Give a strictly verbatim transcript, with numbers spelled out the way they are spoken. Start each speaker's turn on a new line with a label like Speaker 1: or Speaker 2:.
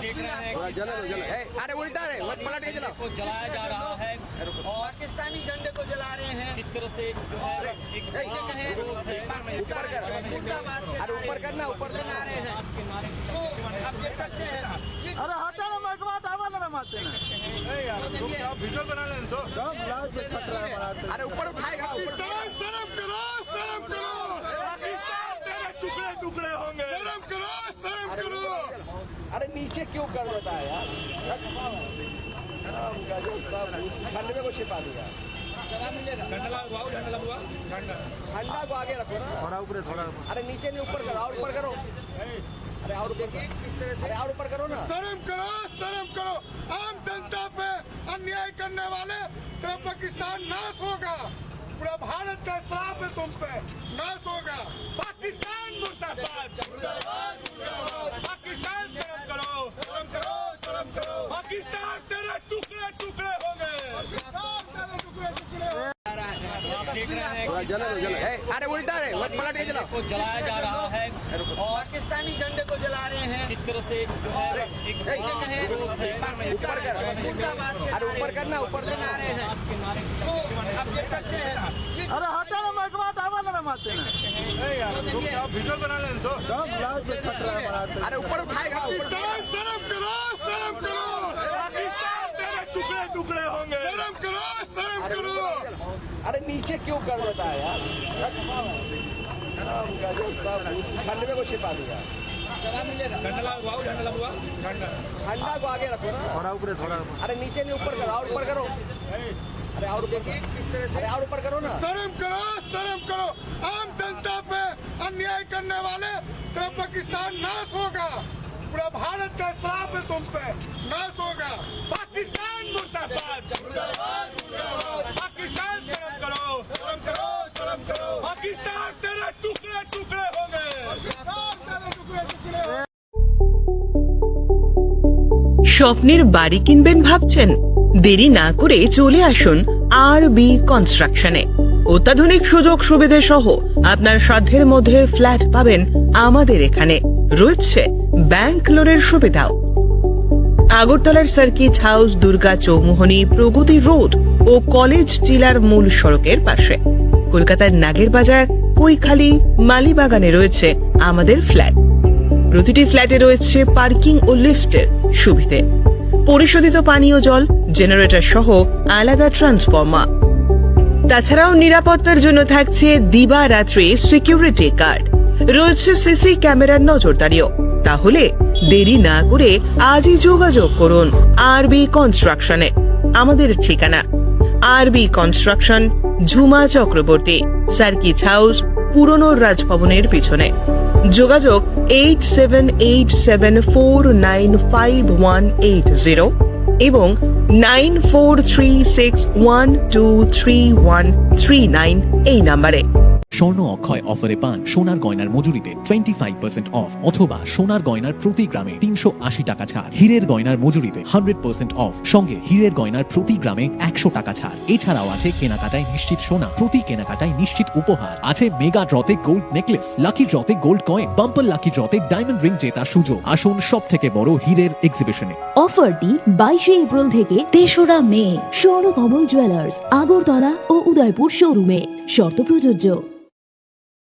Speaker 1: देख रहे हैं कि
Speaker 2: चलो चलो अरे उल्टा है पलट के चलाओ
Speaker 1: को जलाया जा रहा है और
Speaker 3: पाकिस्तानी झंडे को जला रहे हैं।
Speaker 1: इस तरह से जो है एक बड़ा रोष है
Speaker 2: ऊपर कर अरे ऊपर करना ऊपर
Speaker 3: लगा रहे हैं।
Speaker 1: आपके नारे
Speaker 3: तो आप देख सकते हैं ये
Speaker 4: अरे हटा ना मगवा डावा ना मारते ना वीडियो बना लें तो सब लाइव पे खतरा बनाते
Speaker 2: अरे ऊपर उठाएगा
Speaker 4: पाकिस्तान शर्म करो शर्म करो पाकिस्तान तेरे टुकड़े टुकड़े होंगे शर्म करो शर्म करो
Speaker 2: अरे नीचे क्यों कर देता है यार ठंड में को छिपा दिया
Speaker 3: जवाब मिलेगा।
Speaker 2: ठंडा को आगे रखो ना
Speaker 4: थोड़ा ऊपर थोड़ा
Speaker 2: अरे नीचे नहीं ऊपर करो और ऊपर करो अरे और देखिए किस तरह से और ऊपर करो ना
Speaker 4: शर्म करो शर्म करो आम जनता पे अन्याय करने वाले तेरा पाकिस्तान नाश होगा। पूरा भारत का श्राप है तुम पे नाश होगा। पाकिस्तान मुर्दाबाद पाकिस्तान शर्म करो शर्म करो शर्म करो पाकिस्तान तेरे टुकड़े टुकड़े होंगे टुकड़े टुकड़े
Speaker 1: आप देख रहे हैं कि
Speaker 2: चलो चलो अरे उल्टा है पलट के चलाओ
Speaker 1: को जलाया जा रहा है और
Speaker 3: पाकिस्तानी झंडे को जला रहे हैं।
Speaker 1: इस तरह से जो है एक बड़ा रोष है
Speaker 2: ऊपर कर अरे ऊपर करना ऊपर
Speaker 3: लगा रहे हैं।
Speaker 1: आपके नारे
Speaker 3: तो आप देख सकते हैं ये
Speaker 4: अरे हटा ना मगवा डावा ना मारते ना वीडियो बना लें तो सब लाइव पे खतरा बनाते
Speaker 2: अरे ऊपर उठाएगा
Speaker 4: पाकिस्तान शर्म करो शर्म करो पाकिस्तान तेरे टुकड़े टुकड़े होंगे शर्म करो शर्म करो
Speaker 2: अरे नीचे क्यों कर देता है यार ठंड में को छिपा दिया
Speaker 3: जवाब मिलेगा।
Speaker 2: ठंडा को आगे रखो ना
Speaker 4: थोड़ा ऊपर थोड़ा
Speaker 2: अरे नीचे नहीं ऊपर करो और ऊपर करो अरे और देखिए किस तरह से और ऊपर करो ना
Speaker 4: शर्म करो शर्म करो आम जनता पे अन्याय करने वाले तेरा पाकिस्तान नाश होगा। पूरा भारत का श्राप है तुम पे नाश होगा। पाकिस्तान मुर्दाबाद पाकिस्तान शर्म करो शर्म करो शर्म करो पाकिस्तान तेरे टुकड़े टुकड़े होंगे टुकड़े टुकड़े
Speaker 5: স্বপ্নের বাড়ি কিনবেন ভাবছেন? দেরি না করে চলে আসুন আর বি কনস্ট্রাকশনে। অত্যাধুনিক সুযোগ সুবিধা সহ আপনার সাধ্যের মধ্যে ফ্ল্যাট পাবেন আমাদের এখানে। রয়েছে ব্যাংক লোনের সুবিধাও। আগরতলার সার্কিট হাউস, দুর্গা চৌমুহনী, প্রগতি রোড ও কলেজ টিলার মূল সড়কের পাশে। কলকাতার নাগের বাজার, কৈখালি, মালিবাগানে রয়েছে আমাদের ফ্ল্যাট। প্রতিটি ফ্ল্যাটে রয়েছে পার্কিং ও লিফটের সুবিধে, পরিশোধিত পানীয় জল, জেনারেটর সহ আলাদা ট্রান্সফরমার। তাছাড়াও নিরাপত্তার জন্য থাকছে দিবারাত্রি সিকিউরিটি গার্ড, রয়েছে সিসি ক্যামেরার নজরদারিও। তাহলে দেরি না করে আজই যোগাযোগ করুন আরবি কনস্ট্রাকশনে। আমাদের ঠিকানা RB construction, Jhuma Chakraborty, circuit house, পুরনো রাজভবনের পিছনে। যোগাযোগ eight seven eight seven four nine five one eight zero এবং nine four three six one two three one three nine এই নাম্বারে।
Speaker 6: স্বর্ণ অক্ষয় অফারে পান সোনার গয়নার মজুরিতে টোয়েন্টি ফাইভ পার্সেন্ট অফ অথবা সোনার গয়নার প্রতি গ্রামে তিনশো আশি টাকা ছাড়। হীরের গয়নার মজুরিতে হান্ড্রেড পার্সেন্ট অফ, সঙ্গে হীরের গয়নার প্রতি গ্রামে একশো টাকা ছাড়। এছাড়াও আছে কেনাকাটায় নিশ্চিত সোনা, প্রতি কেনাকাটায় নিশ্চিত উপহার। আছে মেগা ড্রতে গোল্ড নেকলেস, লাকি ড্রতে গোল্ড কয়েন, বাম্পার লাকি ড্রতে ডায়মন্ড রিং জেতার সুযোগ। আসুন সব থেকে বড় হীরের এক্সিবিশনে।
Speaker 7: অফারটি বাইশে এপ্রিল থেকে তেসরা মে স্বর্ণকমল জুয়েলার্স, আগরতলা ও উদয়পুর শোরুমে। শর্ত প্রযোজ্য।